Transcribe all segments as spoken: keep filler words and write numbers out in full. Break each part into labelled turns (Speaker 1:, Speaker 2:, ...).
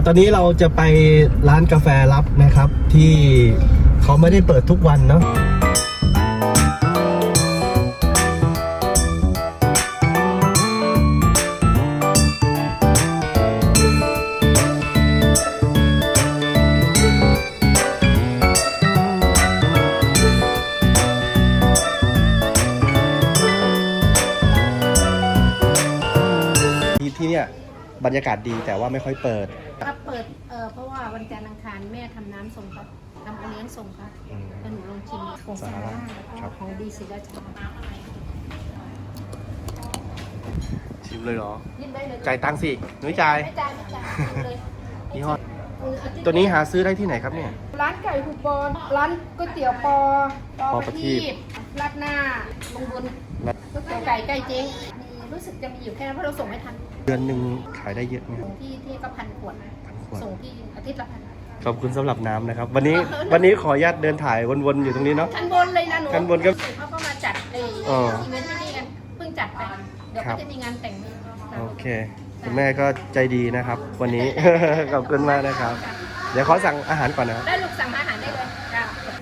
Speaker 1: ตอนนี้เราจะไปร้านกาแฟลับนะครับที่เขาไม่ได้เปิดทุกวันเนาะที่เนี่ยบรรยากาศดีแต่ว่าไม่ค่อยเปิด
Speaker 2: ถ้าเปิดเออเพราะว่าวันจันทร์อังคารแม่ทำน้ำส่งครับทำโอเลี้ยงส่งครับแล้วหนูลองชิมของซาร่าของดีศรีราชา
Speaker 1: ชิมเลยเหรอ
Speaker 2: ยินได้เลย
Speaker 1: จ่ายตังค์สิหนุ่ยจ่าย
Speaker 2: ไม่จ่ายไม่จ่ายชิมเลย
Speaker 1: ยี่ห้อตัวนี้หาซื้อได้ที่ไหนครับเนี่ย
Speaker 2: ร้านไก่คูปอนร้านก๋วยเตี๋ยวปอปอประทีปราดหน้าลงบนก๋วยเตี๋ยวไก่ใกล้เจ๊งรู้สึกจะมีอยู่แค่นั้นเพราะเราส่งไม่ทัน
Speaker 1: เดือนหนึ่งขายได้เยอะไหม
Speaker 2: ส่งที่ที่ก็พันขวดส่งที่อาทิตย์ละพัน
Speaker 1: ขอบคุณสำหรับน้ำนะครับวันนี้วันนี้ขออนุญาตเดินถ่ายวนๆอยู่ตรงนี้เนาะ
Speaker 2: ชั้นบนเลยนะหนู
Speaker 1: ชั้นบนก็
Speaker 2: เขาก็มาจัดไอ้อีเวนต์ที่นี่กันเพิ่งจัดไปเดี๋ยวก็จะมีงานแต่ง
Speaker 1: โอเคคุณแม่ก็ใจดีนะครับวันนี้ ขอบคุณมากนะครับเดี๋ยวขอสั่งอาหารก่อนนะ
Speaker 2: ได้ลูกสั่งอาหารได้เลยจ้า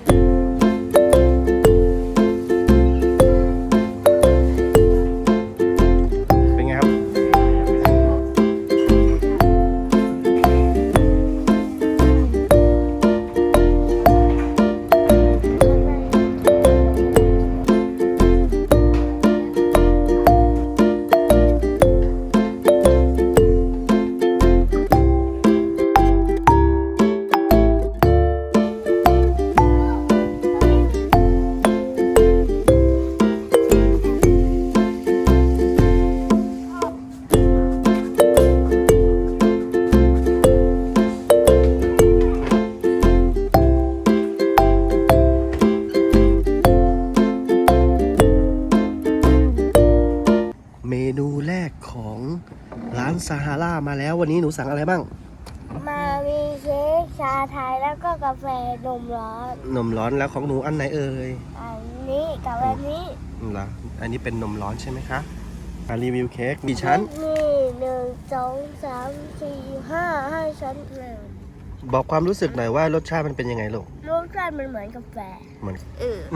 Speaker 1: เมนูแรกของร้านซาฮารามาแล้ววันนี้หนูสั่งอะไรบ้าง
Speaker 3: มามีเค้กชาไทยแล้วก็กาแฟนมร้อน
Speaker 1: นมร้อนแล้วของหนูอันไหนเอ่ย
Speaker 3: อันนี้กับอันนี้
Speaker 1: เหรออันนี้เป็นนมร้อนใช่ไหมคะมารีวิวเค้กกี่ชั้น
Speaker 3: นี่หนึ่งสองสามสี่ห้าห้าชั้นเลย
Speaker 1: บอกความรู้สึกหน่อยว่ารสชาติมันเป็นยังไงลูก
Speaker 3: รสชาติมันเหมือนกาแฟ
Speaker 1: เหมือน
Speaker 3: เออ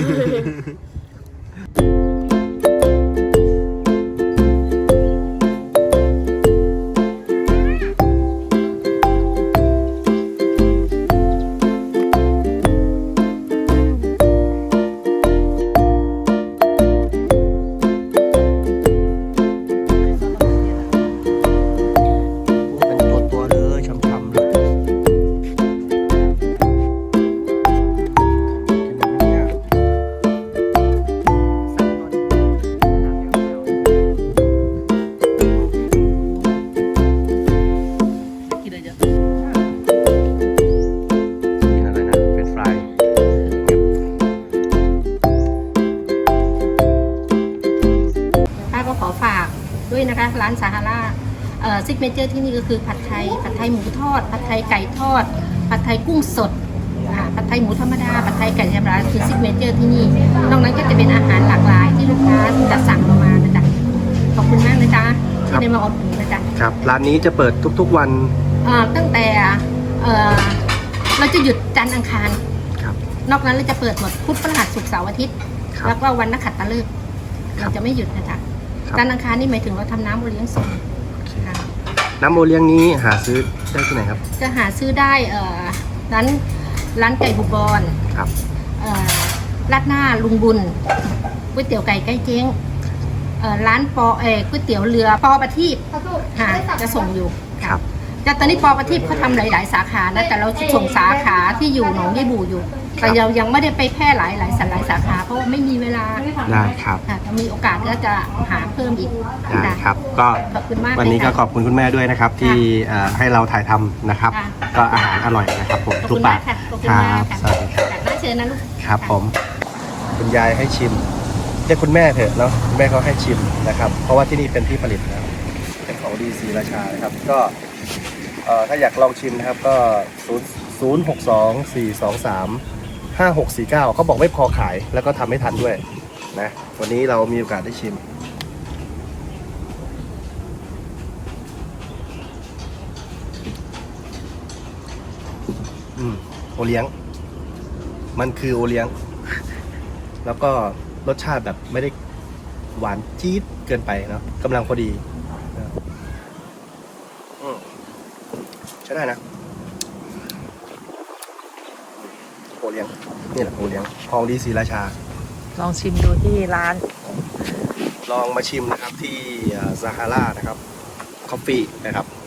Speaker 2: ด้วยนะคะร้านซาฮาราเอ่อซิกเนเจอร์ที่นี่ก็คือผัดไทยผัดไทยหมูทอดผัดไทยไก่ทอดผัดไทยกุ้งสดผัดไทยหมูธรรมดาผัดไทยไก่ธรรมดาคือซิกเนเจอร์ที่นี่นอกนั้นก็จะเป็นอาหารหลากหลายที่ลูกค้าจะสั่งเรามานะจ๊ะขอบคุณมากเลยจ้าที่ได้มาอดหนุนนะจ๊ะ
Speaker 1: ครับร้านนี้จะเปิดทุกๆวัน
Speaker 2: ตั้งแต่เราจะหยุดจันทร์อังคารนอกนั้นเราจะเปิดหมดพุธพฤหัสศุกร์เสาร์อาทิตย์แล้วก็วันนักขัตฤกษ์เราจะไม่หยุดนะจ๊ะจันทร์อังคารนี่หมายถึงเราทำน้ำโอเลี้ยงส่ง
Speaker 1: น้ำโอเลี้ยงนี้หาซื้อได้ที่ไหนครับ
Speaker 2: จะหาซื้อได้ร้านร้านไก่บุบอน
Speaker 1: ครับ
Speaker 2: ราดหน้าลุงบุญก๋วยเตี๋ยวไก่ใกล้เจ๊งร้านปอเอก๋วยเตี๋ยวเรือปอประทีปหาจะส่งอยู่
Speaker 1: ครับ
Speaker 2: แต่ตอนนี้ปอประทีปเขาทำหลายๆสาขานะแต่เราส่งสาขาที่อยู่หนองยี่บูอยู่แต่เรายังไม่ได้ไปแพร่หลายหลายสหลายสาขาเพราะไม่มีเวลา
Speaker 1: ได้ครับ
Speaker 2: ถ้ามีโอกาสก็จะหาเพิ่มอีก
Speaker 1: ได้ครับก็
Speaker 2: ขอบคุณมาก
Speaker 1: วันนี้ก็ขอบคุณคุณแม่ด้วยนะครับที่ให้เราถ่ายทำนะครับก็อาหารอร่อยนะครับผมทุกปากครับสวัสดีครับ
Speaker 2: น่าเชิญนะลูก
Speaker 1: ครับผมคุณยายให้ชิมเรียกคุณแม่เถอะเนาะคุณแม่เขาให้ชิมนะครับเพราะว่าที่นี่เป็นที่ผลิตแล้วเป็นของดีศรีราชานะครับก็ถ้าอยากลองชิมนะครับก็ศูนย์ หก สอง สี่ สอง สาม ห้า หก สี่ เก้าเขาบอกไม่พอขายแล้วก็ทำไม่ทันด้วยนะวันนี้เรามีโอกาสได้ชิมอืมโอเลี้ยง มันคือโอเลี้ยง แล้วก็รสชาติแบบไม่ได้หวานจี๊ดเกินไปเนาะกำลังพอดีนะอืมใช้ได้นะโอเลี้ยงนี่แหละโอเลี้ยงของดีศรีราชา
Speaker 4: ลองชิมดูที่ร้าน
Speaker 1: ลองมาชิมนะครับที่ซาฮารานะครับคอฟฟี่นะครับ